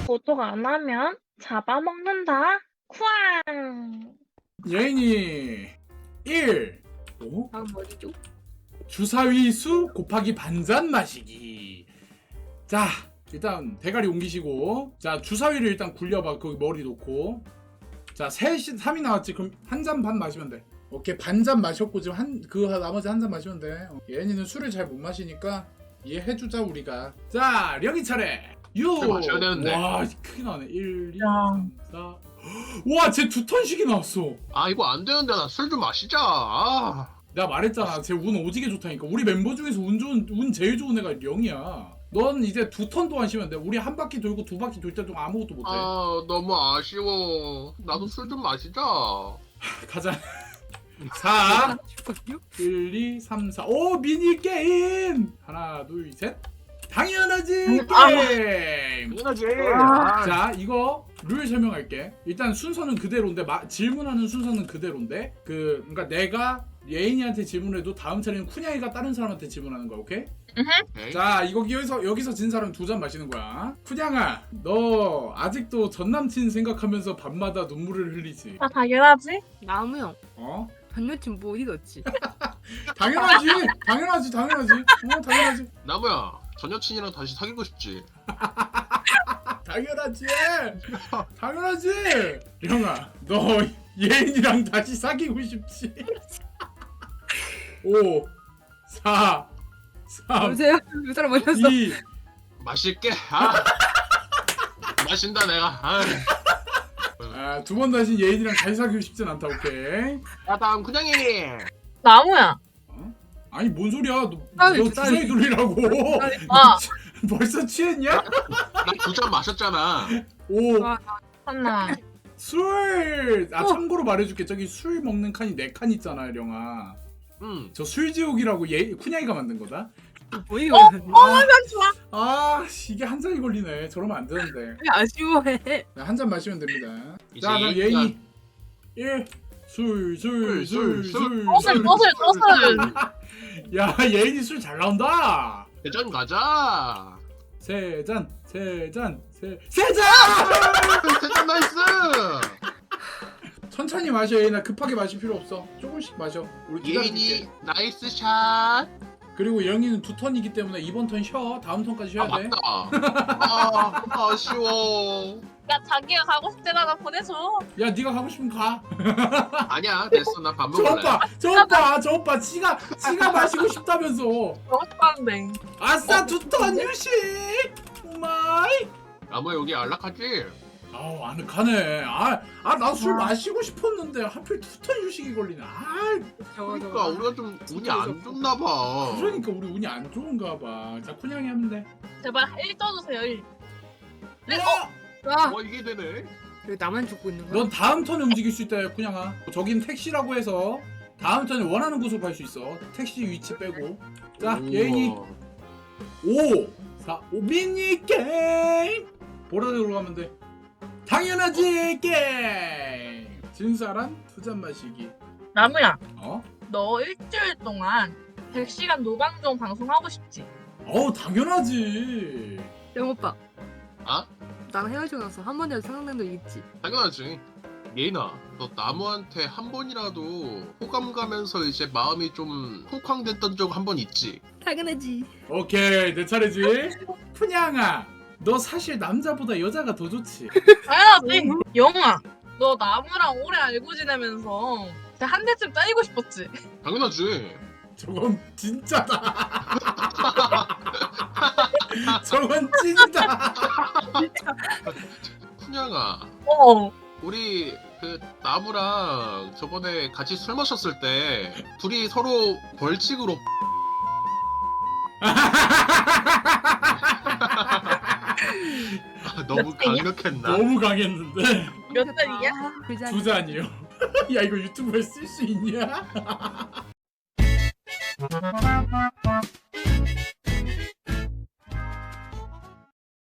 고독 안 하면 잡아먹는다. 쿠앙. 예인이 1. 오? 다음 어디죠? 주사위 수 곱하기 반잔 마시기. 자, 일단 대가리 옮기시고, 자 주사위를 일단 굴려봐. 거기 머리 놓고. 자 3이 나왔지. 그럼 한 잔 반 마시면 돼. 오케이, 반잔 마셨고 지금 나머지 한 잔 마시면 돼. 예인이는 술을 잘 못 마시니까 이해해주자 우리가. 자 령이 차례. 6. 마셔야 되는데. 와 크게 나네. 1, 2, 야. 3, 4. 와, 쟤 2턴씩이 나왔어. 아 이거 안 되는데 나 술 좀 마시자. 아. 내가 말했잖아. 쟤 운 오지게 좋다니까. 우리 멤버 중에서 운 제일 좋은 애가 령이야. 넌 이제 2턴 동안 쉬면 돼. 우리 한 바퀴 돌고 2바퀴 돌 때 동안 아무것도 못해. 아 너무 아쉬워. 나도 술 좀 마시자. 가자. 4, 잠깐요? 1, 2, 3, 4. 오, 미니게임! 하나, 둘, 셋. 당연하지, 게임! 당연하지. 자, 이거 룰 설명할게. 일단 순서는 그대로인데, 질문하는 순서는 그대로인데, 그러니까 내가 예인이한테 질문해도 다음 차례는 쿤야이가 다른 사람한테 질문하는 거야, 오케이? 오케이. 자, 여기서 진 사람 2잔 마시는 거야. 쿤양아, 너 아직도 전 남친 생각하면서 밤마다 눈물을 흘리지? 아 당연하지. 나무 형. 어? 전 여친 뭐 어디 갔지? 당연하지. 당연하지. 당연하지. 나무야 전 여친이랑 다시 사귀고 싶지. 당연하지. 당연하지. 형아, 너 예인이랑 다시 사귀고 싶지? 5, 4, 3, 여보세요? 그 사람 어디갔어? 2. 마실게. 아. 마신다 내가. 아. 아, 두 번 다시 예인이랑 다시 사귀고 싶진 않다. 오케이. 자 다음 그냥이. 나무야. 어? 아니 뭔 소리야? 너 아니, 주사위 돌리라고. 아 벌써 취했냐? 나 2잔 마셨잖아. 5. 아, 하나. 술! 참고로 말해줄게. 저기 술 먹는 칸이 4칸 있잖아, 령아. 저 술지옥이라고 쿤야이가 만든 거다. 뭐 이거? 좋아. 아, 이게 한 잔이 걸리네. 저러면 안 되는데. 왜 아쉬워해? 한 잔 마시면 됩니다. 이제 자, 그럼 예인이 1. 술. 떠슬. 야, 예인이 술 잘 나온다. 대전 가자. 세 잔. 대전 나이스. 천천히 마셔, 예인아. 급하게 마실 필요 없어. 조금씩 마셔. 우리 기다려줄게. 예인이 나이스 샷. 그리고 영희는 2턴이기 때문에 이번 턴 쉬어. 다음 턴까지 쉬어야 아 돼. 맞다. 아 아쉬워. 야 자기가 가고 싶대나 보내줘. 야, 네가 가고 싶으면 가. 아니야 됐어 나 밥 저 먹을래. 오빠 지가 마시고 싶다면서. 너무 좋아하는데. 아싸 2턴 유식. 오마이. 나무 여기 안락하지? 아우 아늑하네. 나 술 와. 마시고 싶었는데 하필 2턴 유식이 걸리네. 그러니까 우리가 좀 운이 안 좋나 봐. 그러니까 우리 운이 안 좋은가 봐. 자, 쿤양이 하면 돼. 제발 1 떠주세요 1. 아, 와 이게 되네. 왜 나만 죽고 있는 거야? 넌 다음 턴에 움직일 수 있다, 쿤양아. 저긴 택시라고 해서 다음 턴에 원하는 곳으로 갈 수 있어. 택시 위치 빼고. 자, 우와. 예인이 5, 4, 5 미니 게임. 보라색으로 가면 돼. 당연하지 게임. 진 사람 2잔 마시기. 나무야. 어? 너 일주일 동안 100시간 노방종 방송하고 싶지? 당연하지. 영 오빠. 아? 나랑 헤어지고 나서 한 번이라도 생각난 적 있지? 당연하지. 예인아, 너 나무한테 한 번이라도 호감 가면서 이제 마음이 좀 쿵쾅댔던 적 한 번 있지? 당연하지. 오케이, 내 차례지. 푸냥아, 너 사실 남자보다 여자가 더 좋지. 당연하지. 영아. 너 나무랑 오래 알고 지내면서 한 대쯤 따이고 싶었지? 당연하지. 저건 진짜다. 저건 찐이다. 푸냥아, 어. 우리 그 나무랑 저번에 같이 술 마셨을 때 둘이 서로 벌칙으로 너무 몇 잔이야? 강력했나? 너무 강했는데. 몇 잔이야? 그 잔. 2잔이요. 야, 이거 유튜브에 쓸 수 있냐?